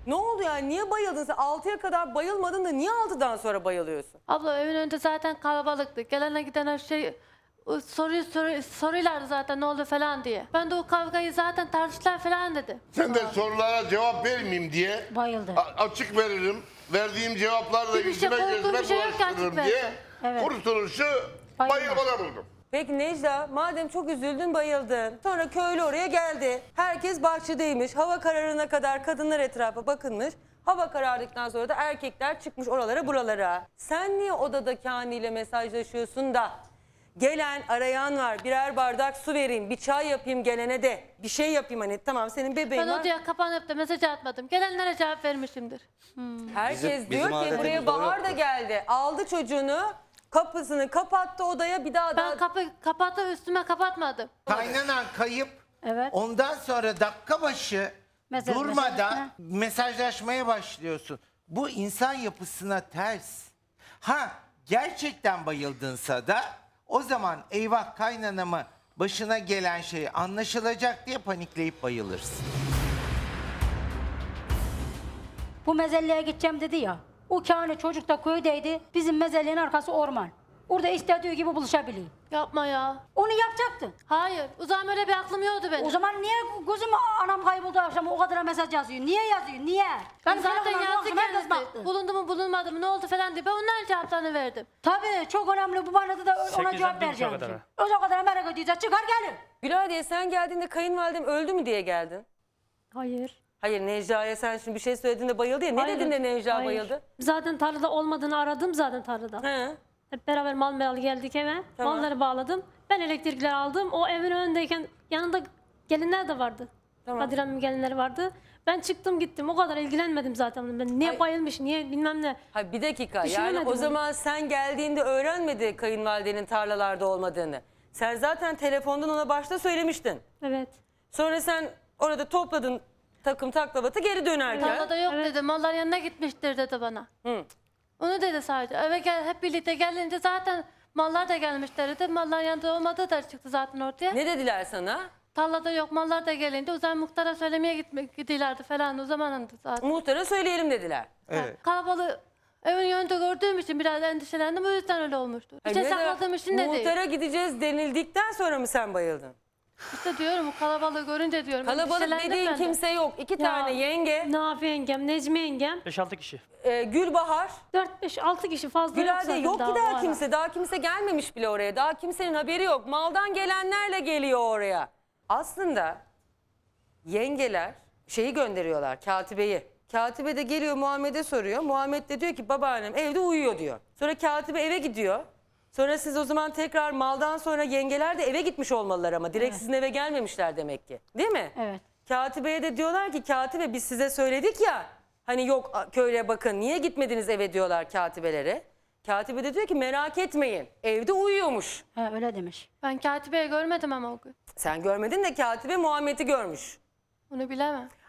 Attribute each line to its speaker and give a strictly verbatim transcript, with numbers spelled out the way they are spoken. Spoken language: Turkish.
Speaker 1: Ne oldu yani? Niye bayıldın sen? altıya kadar bayılmadın da niye altıdan sonra bayılıyorsun?
Speaker 2: Abla evin önünde zaten kalabalıktı. Gelene gidene şey soruyu soru, soruyorlardı zaten ne oldu falan diye. Ben de o kavgayı zaten tartıştılar falan dedi.
Speaker 3: Sen de sorulara cevap vermeyeyim diye
Speaker 4: Bayıldı.
Speaker 3: a- açık veririm. Verdiğim cevaplarla
Speaker 2: Bir şey,
Speaker 3: yüzüme
Speaker 2: korktuğum
Speaker 3: gözüme
Speaker 2: bir şey yok ki açık
Speaker 3: bulaştırırım
Speaker 2: versin.
Speaker 3: diye
Speaker 4: Evet.
Speaker 3: kurtuluşu
Speaker 4: Bayılma.
Speaker 3: bayılmada buldum.
Speaker 1: Peki Necla, madem çok üzüldün, bayıldın. Sonra köylü oraya geldi. Herkes bahçedeymiş. Hava kararına kadar kadınlar etrafa bakınmış. Hava karardıktan sonra da erkekler çıkmış oralara buralara. Sen niye odada Kani ile mesajlaşıyorsun da gelen arayan var, birer bardak su vereyim, bir çay yapayım gelene de bir şey yapayım hani tamam senin bebeğin
Speaker 2: Ben
Speaker 1: var.
Speaker 2: odaya kapanıp da mesaj atmadım. Gelenlere cevap vermişimdir.
Speaker 1: Herkes
Speaker 5: Bizim-
Speaker 1: diyor
Speaker 5: bizim
Speaker 1: ki buraya
Speaker 5: adetimizde o
Speaker 1: Bahar da
Speaker 5: yoktu.
Speaker 1: geldi. Aldı çocuğunu, kapısını kapattı odaya bir daha
Speaker 2: Ben
Speaker 1: da...
Speaker 2: kapı kapatıp üstüme kapatmadım.
Speaker 6: Kaynanan kayıp.
Speaker 4: Evet.
Speaker 6: Ondan sonra dakika başı
Speaker 4: Mesaj-
Speaker 6: durmadan
Speaker 4: mesaj-
Speaker 6: mesajlaşmaya başlıyorsun. Bu insan yapısına ters. Ha gerçekten bayıldınsa da o zaman eyvah kaynanama başına gelen şey anlaşılacak diye panikleyip bayılırsın.
Speaker 4: Bu mezelleye gideceğim dedi ya. O Kani çocuk da köydeydi. Bizim mezellerin arkası orman. Orada istediği gibi buluşabiliyor.
Speaker 2: Yapma ya.
Speaker 4: Onu yapacaktın.
Speaker 2: Hayır. O zaman öyle bir aklım yoktu benim.
Speaker 4: O zaman niye gözüm anam kayboldu akşam o kadar mesaj yazıyor? Niye yazıyor? Niye? Ben
Speaker 2: zaten
Speaker 4: telefonuma
Speaker 2: yazdı
Speaker 4: baktım, herkes
Speaker 2: kendisi.
Speaker 4: baktı.
Speaker 2: Bulundu mu bulunmadı mı ne oldu falan diye. Ben onların cevaplarını verdim.
Speaker 4: Tabii çok önemli. Bu bana da ona
Speaker 7: Sekizden
Speaker 4: cevap
Speaker 7: bir
Speaker 4: vereceğim.
Speaker 7: buçuğa kadar.
Speaker 4: O zaman kadar merak ediyorsa çıkar gelin.
Speaker 1: Güladiye sen geldiğinde kayınvalidem öldü mü diye geldin.
Speaker 8: Hayır.
Speaker 1: Hayır Necla'ya sen şimdi bir şey söylediğinde bayıldı ya. Ne
Speaker 8: Hayır,
Speaker 1: dedin de Necla
Speaker 8: hayır.
Speaker 1: bayıldı?
Speaker 8: Zaten tarlada olmadığını aradım zaten tarlada.
Speaker 1: He.
Speaker 8: Hep beraber mal mal geldik eve.
Speaker 1: Tamam.
Speaker 8: Malları bağladım. Ben elektrikleri aldım. O evin önündeyken yanında gelinler de vardı.
Speaker 1: Tamam.
Speaker 8: Kadir Hanım'ın gelinleri vardı. Ben çıktım gittim. O kadar ilgilenmedim zaten. Ben niye
Speaker 1: Ay-
Speaker 8: bayılmış, niye bilmem ne.
Speaker 1: Hayır bir dakika yani
Speaker 8: Düşünemedim
Speaker 1: o
Speaker 8: onu.
Speaker 1: zaman sen geldiğinde öğrenmedi kayınvalidenin tarlalarda olmadığını. Sen zaten telefondan ona başta söylemiştin.
Speaker 8: Evet.
Speaker 1: Sonra sen orada topladın takım taklavatı geri dönerken.
Speaker 2: Tarlada yok dedi. Mallar yanına gitmiştir dedi bana.
Speaker 1: Hı.
Speaker 2: Onu dedi sadece. Eve gel, hep birlikte gelince zaten mallar da gelmişler dedi. Mallar yanında olmadığı da çıktı zaten ortaya.
Speaker 1: Ne dediler sana?
Speaker 2: Tarlada yok mallar da gelince o zaman muhtara söylemeye gitmek gidiyorlardı falan o zamanındı zaten.
Speaker 1: Muhtara söyleyelim dediler.
Speaker 6: Evet.
Speaker 2: Kalabalığı evin önünde gördüğüm için biraz endişelendim o yüzden öyle olmuştu. Bir şey
Speaker 1: Hayır, ne de-
Speaker 2: sakladığım için de değil.
Speaker 1: Muhtara gideceğiz denildikten sonra mı sen bayıldın?
Speaker 2: İşte diyorum o kalabalığı görünce diyorum.
Speaker 1: Kalabalık
Speaker 2: endişelendim
Speaker 1: dediğin
Speaker 2: ben de.
Speaker 1: kimse yok. İki tane yenge,
Speaker 8: Nafi yengem, Necmi yengem.
Speaker 7: beş altı kişi.
Speaker 1: e, Gülbahar,
Speaker 8: dört beş altı kişi fazla yok
Speaker 1: Güladiye
Speaker 8: zaten
Speaker 1: yok ki
Speaker 8: daha o
Speaker 1: daha
Speaker 8: ara.
Speaker 1: kimse. Daha kimse gelmemiş bile oraya. Daha kimsenin haberi yok. Maldan gelenlerle geliyor oraya. Aslında yengeler şeyi gönderiyorlar, katibeyi. Katibe de geliyor Muhammed'e soruyor. Muhammed de diyor ki babaannem evde uyuyor diyor. Sonra katibe eve gidiyor. Sonra siz o zaman tekrar maldan sonra yengeler de eve gitmiş olmalılar ama. Direkt sizin eve gelmemişler demek ki. Değil mi?
Speaker 4: Evet.
Speaker 1: Katibeye de diyorlar ki katibe biz size söyledik ya. Hani yok a- köyle bakın niye gitmediniz eve diyorlar katibelere. Katibe de diyor ki merak etmeyin evde uyuyormuş.
Speaker 4: He, öyle demiş.
Speaker 2: Ben katibeyi görmedim ama o gün.
Speaker 1: Sen görmedin de katibe Muhammed'i görmüş.
Speaker 2: Onu bilemem.